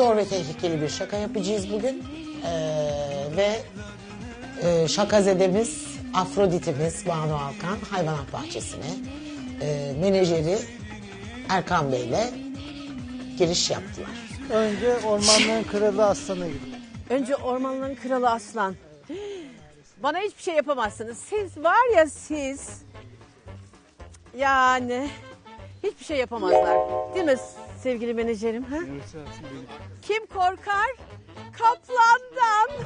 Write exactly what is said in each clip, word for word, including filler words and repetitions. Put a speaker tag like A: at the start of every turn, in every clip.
A: zor ve tehlikeli bir şaka yapacağız bugün. Ee, ve e, şakazedemiz, Afrodit'imiz Banu Alkan hayvanat bahçesine e, menajeri Erkan Bey'le giriş yaptılar.
B: Önce ormanların kralı aslanı gibi.
C: Önce ormanların kralı aslan. Bana hiçbir şey yapamazsınız. Siz var ya siz. Yani hiçbir şey yapamazlar. Değil mi sevgili menajerim? Ha? Kim korkar? Kaplandan.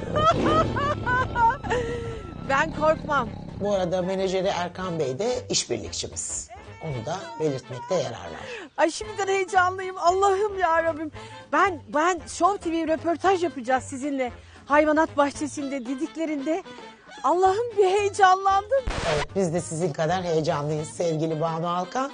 C: Ben korkmam.
A: Bu arada menajeri Erkan Bey de işbirlikçimiz. Onu da belirtmekte yarar var.
C: Ay şimdiden heyecanlıyım. Allah'ım ya Rabbim. Ben ben Show T V röportaj yapacağız sizinle. Hayvanat bahçesinde dediklerinde Allah'ım bir heyecanlandım.
A: Evet, biz de sizin kadar heyecanlıyız sevgili Banu Alkan.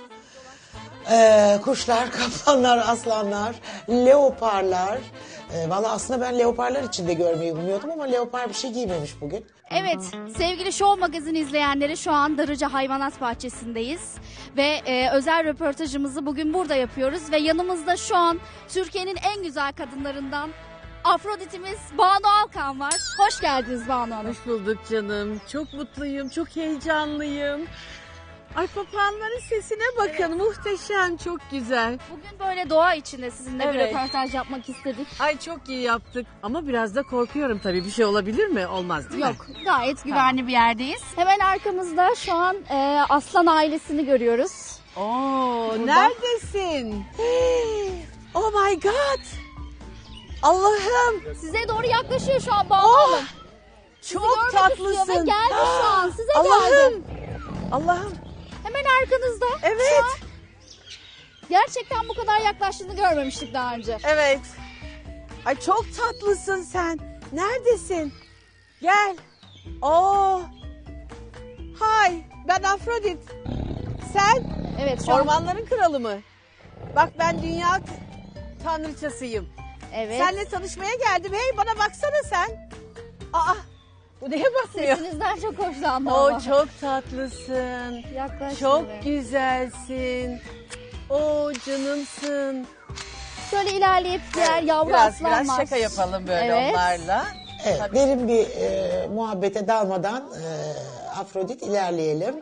A: Ee, kuşlar, kaplanlar, aslanlar, leoparlar. Ee, Valla aslında ben leoparlar içinde görmeyi umuyordum ama leopar bir şey giymemiş bugün.
D: Evet, sevgili Show Magazine izleyenleri, şu an Darıca Hayvanat Bahçesi'ndeyiz. Ve e, özel röportajımızı bugün burada yapıyoruz. Ve yanımızda şu an Türkiye'nin en güzel kadınlarından Afrodit'imiz Banu Alkan var. Hoş geldiniz Banu Hanım.
C: Hoş bulduk canım. Çok mutluyum, çok heyecanlıyım. Ay papağanların sesine bakın. Evet. Muhteşem, çok güzel.
D: Bugün böyle doğa içinde sizinle
C: Evet.
D: bir röportaj yapmak istedik.
C: Ay çok iyi yaptık. Ama biraz da korkuyorum tabii. Bir şey olabilir mi? Olmaz değil
D: Yok,
C: mi?
D: gayet güvenli bir yerdeyiz. Hemen arkamızda şu an e, aslan ailesini görüyoruz.
C: Oo, neredesin? Oh my God. Allah'ım.
D: Size doğru yaklaşıyor şu an Banu
C: Oh,
D: Hanım.
C: çok
D: Görmek
C: tatlısın.
D: istiyor ve geldi şu an. Size geldi.
C: Allah'ım. Allah'ım.
D: Hemen arkanızda.
C: Evet.
D: Şu an gerçekten bu kadar yaklaştığını görmemiştik daha önce.
C: Evet. Ay çok tatlısın sen. Neredesin? Gel. Oo. Hay. Ben Afrodit. Sen
D: Evet şu an.
C: ormanların kralı mı? Bak ben dünya t- tanrıçasıyım.
D: Evet.
C: Seninle tanışmaya geldim. Hey bana baksana sen. Aa. Bu neye bakmıyor?
D: Sesinizden çok hoşlandım.
C: Oo
D: ama.
C: çok tatlısın.
D: Yaklaş
C: Çok
D: şimdi.
C: güzelsin. Oo canımsın.
D: Şöyle ilerleyip diğer yavru
C: Biraz
D: aslan
C: biraz
D: var.
C: şaka yapalım böyle
D: Evet.
C: onlarla.
A: Evet,
C: Tabii.
A: derin bir e, muhabbete dalmadan e, Afrodit ilerleyelim.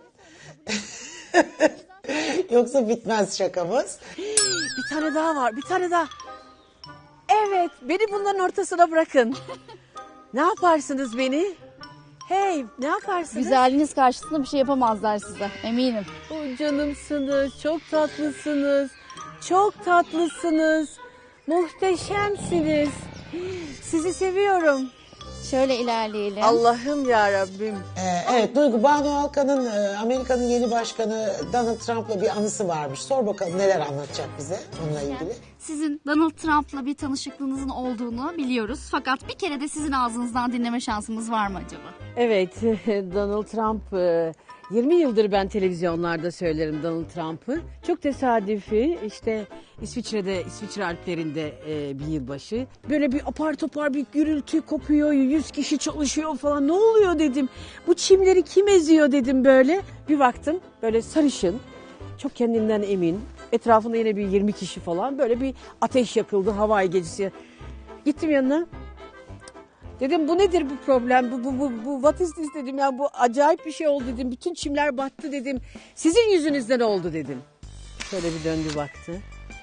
A: Yoksa bitmez şakamız.
C: Bir tane daha var, bir tane daha. Evet, beni bunların ortasına bırakın. Ne yaparsınız beni? Hey, ne yaparsınız?
D: Güzelliğiniz karşısında bir şey yapamazlar size, eminim.
C: Oh, canımsınız, çok tatlısınız. Çok tatlısınız. Muhteşemsiniz. Sizi seviyorum.
D: Şöyle ilerleyelim.
C: Allah'ım ya Rabbim.
A: Ee, evet Duygu, Banu Alkan'ın e, Amerika'nın yeni başkanı Donald Trump'la bir anısı varmış. Sor bakalım neler anlatacak bize onunla ilgili.
D: Sizin Donald Trump'la bir tanışıklığınızın olduğunu biliyoruz. Fakat bir kere de sizin ağzınızdan dinleme şansımız var mı acaba?
C: Evet, Donald Trump, e, yirmi yıldır ben televizyonlarda söylerim Donald Trump'ı. Çok tesadüfi, işte İsviçre'de, İsviçre Alplerinde e, bir yılbaşı. Böyle bir apar topar bir gürültü kopuyor, yüz kişi çalışıyor falan. Ne oluyor dedim, bu çimleri kim eziyor dedim böyle. Bir baktım böyle sarışın, çok kendinden emin. Etrafında yine bir yirmi kişi falan, böyle bir ateş yakıldı Hawaii gecesi. Gittim yanına. Dedim bu nedir bu problem, bu, bu, bu, bu what is this dedim, ya bu acayip bir şey oldu dedim, bütün çimler battı dedim, sizin yüzünüzden oldu dedim. Şöyle bir döndü baktı.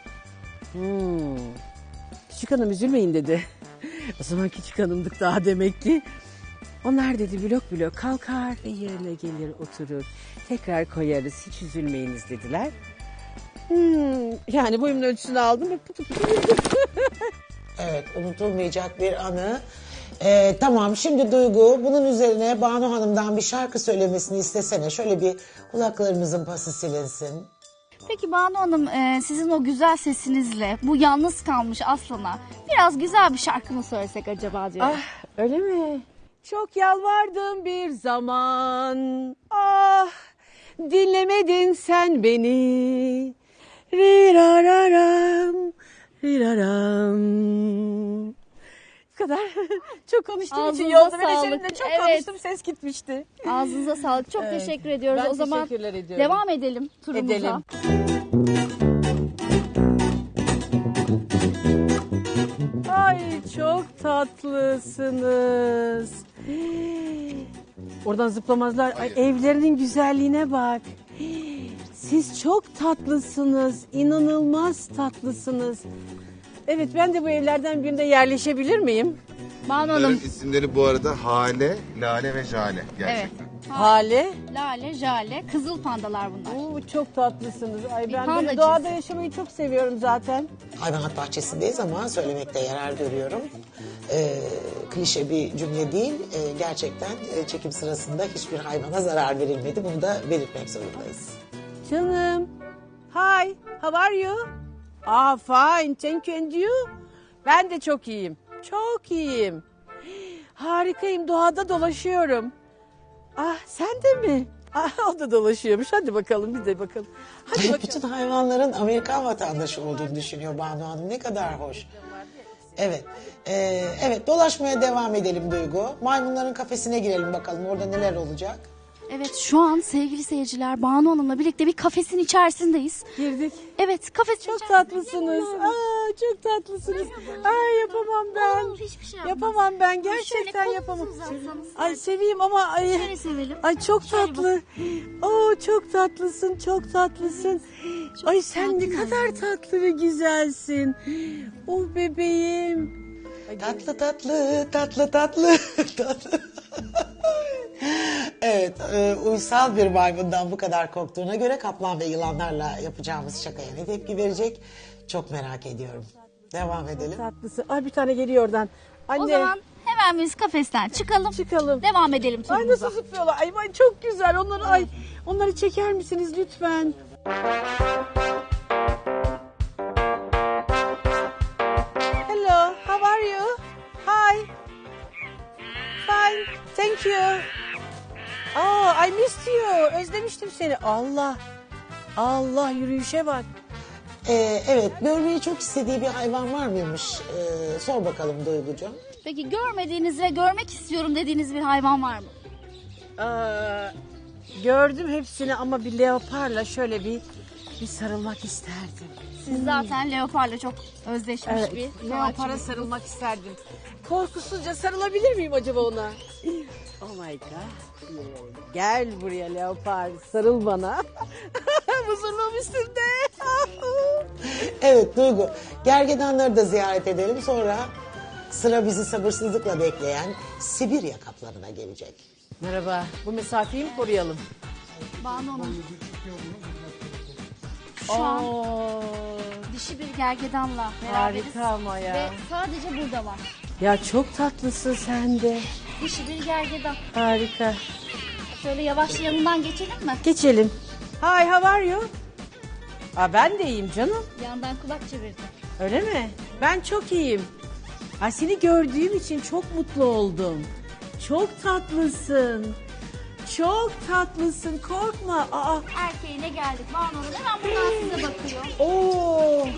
C: Hmm. Küçük hanım üzülmeyin dedi. O zaman küçük hanımdık daha demek ki. Onlar dedi blok blok kalkar ve yerine gelir oturur. Tekrar koyarız, hiç üzülmeyiniz dediler. Hmm. Yani boyumun ölçüsünü aldım ve putu putu yürüdüm.
A: Evet, unutulmayacak bir anı. Ee, tamam, şimdi Duygu bunun üzerine Banu Hanım'dan bir şarkı söylemesini istesene. Şöyle bir kulaklarımızın pası silinsin.
D: Peki Banu Hanım, e, sizin o güzel sesinizle bu yalnız kalmış aslana biraz güzel bir şarkı mı söylesek acaba diyorum.
C: Ah, öyle mi? Çok yalvardım bir zaman. Ah, dinlemedin sen beni. Rirararam, riraram. Bu kadar. Çok konuştuğum için
D: Ağzınıza
C: yolda
D: sağlık.
C: menajerimle çok
D: Evet.
C: konuştum, ses gitmişti.
D: Ağzınıza sağlık. Çok
C: Evet.
D: teşekkür ediyoruz.
C: Ben
D: o zaman
C: teşekkürler ediyorum.
D: devam edelim turumuza.
C: Edelim. tatlısınız. Oradan zıplamazlar. Ay, evlerinin güzelliğine bak. Siz çok tatlısınız. İnanılmaz tatlısınız. Evet, ben de bu evlerden birinde yerleşebilir miyim?
D: Banu
E: Bunların
D: Hanım.
E: isimleri bu arada Hale, Lale ve Jale gerçekten.
D: Evet.
C: Hale.
D: Lale, Jale, kızıl pandalar bunlar.
C: Oo, çok tatlısınız. Ay, ben
D: panda
C: böyle doğada
D: cinsi.
C: yaşamayı çok seviyorum zaten.
A: Hayvanat bahçesindeyiz ama söylemekte yarar görüyorum. Ee, klişe bir cümle değil. Ee, gerçekten e, çekim sırasında hiçbir hayvana zarar verilmedi. Bunu da belirtmek zorundayız.
C: Canım. Hi, how are you? Ah, fine, thank you and you? Ben de çok iyiyim. Çok iyiyim. Harikayım, doğada dolaşıyorum. Ah, sen de mi? Ah, o da dolaşıyormuş. Hadi bakalım, biz de bakalım. Hadi bakalım.
A: Bütün hayvanların Amerikan vatandaşı olduğunu düşünüyor Banu Hanım. Ne kadar hoş. Evet. Ee, evet, dolaşmaya devam edelim Duygu. Maymunların kafesine girelim bakalım. Orada neler olacak?
D: Evet, şu an sevgili seyirciler Banu Hanım'la birlikte bir kafesin içerisindeyiz.
C: Girdik.
D: Evet, kafes
C: Çok
D: içerisinde-
C: tatlısınız. Aa, çok tatlısınız. Ay, yapamam ben.
D: Olur, hiçbir şey yapmaz.
C: Yapamam ben.
D: Şöyle
C: Gerçekten
D: kolunuzu
C: yapamam.
D: uzatsanız.
C: Ay, seveyim ama ay.
D: Şöyle sevelim.
C: Ay, çok
D: Şöyle
C: tatlı. Oo, çok tatlısın, çok tatlısın. Ay, sen ne kadar tatlı ve güzelsin. Oh bebeğim. Ay,
A: Tatlı tatlı, tatlı tatlı, tatlı. Evet, e, uysal bir maymundan bu kadar korktuğuna göre kaplan ve yılanlarla yapacağımız şakaya ne tepki verecek? Çok merak ediyorum. Devam edelim.
C: tatlısın. Ay, bir tane geliyor oradan. Anne.
D: O zaman hemen biz kafesten çıkalım.
C: Çıkalım.
D: Devam edelim
C: Ay,
D: turumuza.
C: nasıl zıplıyorlar. Ay, ay, çok güzel. Onları ay onları çeker misiniz lütfen? Hello, how are you? Hi. Fine, thank you. Oh, I missed you. Özlemiştim seni. Allah. Allah, yürüyüşe bak.
A: Ee, evet, görmeyi çok istediği bir hayvan var mıymış? Ee, sor bakalım Duygucuğum.
D: Peki görmediğiniz ve görmek istiyorum dediğiniz bir hayvan var mı?
C: Aa, gördüm hepsini ama bir leoparla şöyle bir bir sarılmak isterdim.
D: Siz zaten leoparla çok özdeşmiş
C: Evet,
D: bir
C: leopara
D: sanatçı.
C: sarılmak isterdim. Korkusuzca sarılabilir miyim acaba ona? Oh my god. Gel buraya leopar, sarıl bana. Huzurluğum üstünde.
A: Evet Duygu, gergedanları da ziyaret edelim. Sonra sıra bizi sabırsızlıkla bekleyen Sibirya kaplanına gelecek.
C: Merhaba, bu mesafeyi mi koruyalım?
D: Banu Hanım. Şu an
C: Oo,
D: dişi bir gergedanla beraberiz.
C: harika ama ya.
D: Ve sadece burada var.
C: Ya çok tatlısın sen de.
D: Dişi bir gergedan.
C: Harika.
D: Şöyle yavaş yanından geçelim mi?
C: Geçelim. Hi, how are you? Aa, ben de iyiyim canım.
D: Yandan kulak çevirdi.
C: Öyle mi? Ben çok iyiyim. Ay, seni gördüğüm için çok mutlu oldum. Çok tatlısın. Çok tatlısın. Korkma. Aa.
D: Erkeğine geldik. Banu Hanım hemen buradan size bakıyor.
C: Oo.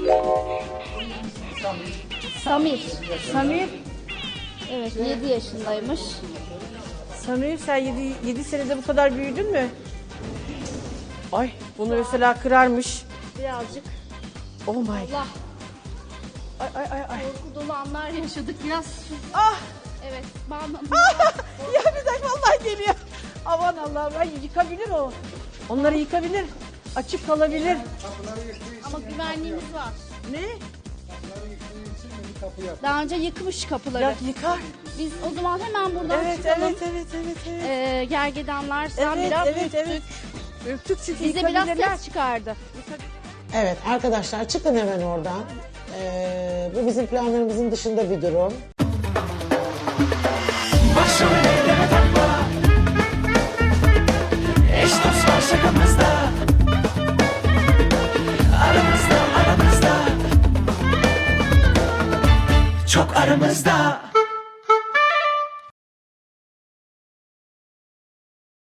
D: Samir.
C: Samir.
D: Evet yedi yaşındaymış.
C: Samir, sen yedi, yedi senede bu kadar büyüdün mü? Ay, bunu mesela kırarmış.
D: Birazcık
C: Oh my.
D: Allah
C: Ay ay ay ay.
D: korku dolu anlar yaşadık biraz.
C: Ah.
D: Evet Banu Hanım.
C: Ya bir dakika, vallahi geliyor. Aman Allah'ım, ay yıkabilir o. Onları yıkabilir. Açık kalabilir.
D: Ama güvenliğimiz var.
C: Ne?
D: Daha önce yıkmış kapıları.
C: Ya yıkar.
D: Biz o zaman hemen buradan
C: Evet,
D: çıkalım.
C: evet, evet, evet, evet.
D: Ee, gergedanlardan
C: Evet,
D: biraz
C: evet,
D: ürktük.
C: evet. Ürktük çünkü
D: Bize biraz
C: yıkabilirler.
D: ses çıkardı.
A: Evet arkadaşlar, çıkın hemen oradan. Ee, bu bizim planlarımızın dışında bir durum.
F: Başım elleme takma. Eş dost var şakamızda. Aramızda aramızda. Çok aramızda.